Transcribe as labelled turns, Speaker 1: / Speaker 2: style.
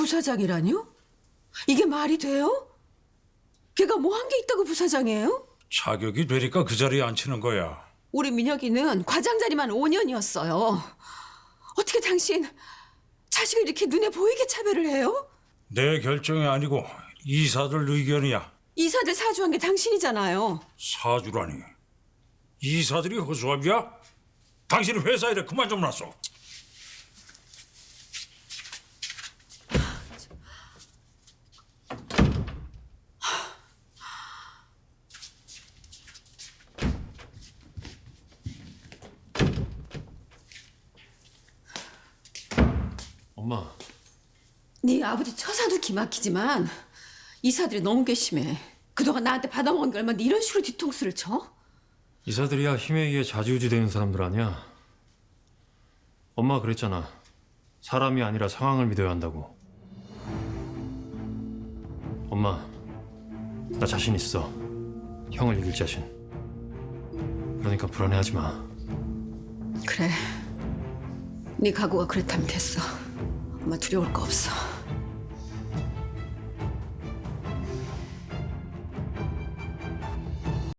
Speaker 1: 부사장이라뇨? 이게 말이 돼요? 걔가 뭐 한 게 있다고 부사장이에요?
Speaker 2: 자격이 되니까 그 자리에 앉히는 거야.
Speaker 1: 우리 민혁이는 과장 자리만 5년이었어요. 어떻게 당신 자식을 이렇게 눈에 보이게 차별을 해요?
Speaker 2: 내 결정이 아니고 이사들 의견이야.
Speaker 1: 이사들 사주한 게 당신이잖아요.
Speaker 2: 사주라니. 이사들이 허수아비야? 당신이 회사 일에 그만 좀 놨어.
Speaker 3: 엄마,
Speaker 1: 네 아버지 처사도 기막히지만 이사들이 너무 괘씸해. 그동안 나한테 받아먹은 게 얼마인데 이런 식으로 뒤통수를 쳐?
Speaker 3: 이사들이야 힘에 의해 좌지우지되는 사람들 아니야? 엄마가 그랬잖아. 사람이 아니라 상황을 믿어야 한다고. 엄마, 나 자신 있어. 형을 이길 자신. 그러니까 불안해하지 마.
Speaker 1: 그래. 네 각오가 그렇다면 됐어. 엄마 두려울 거 없어.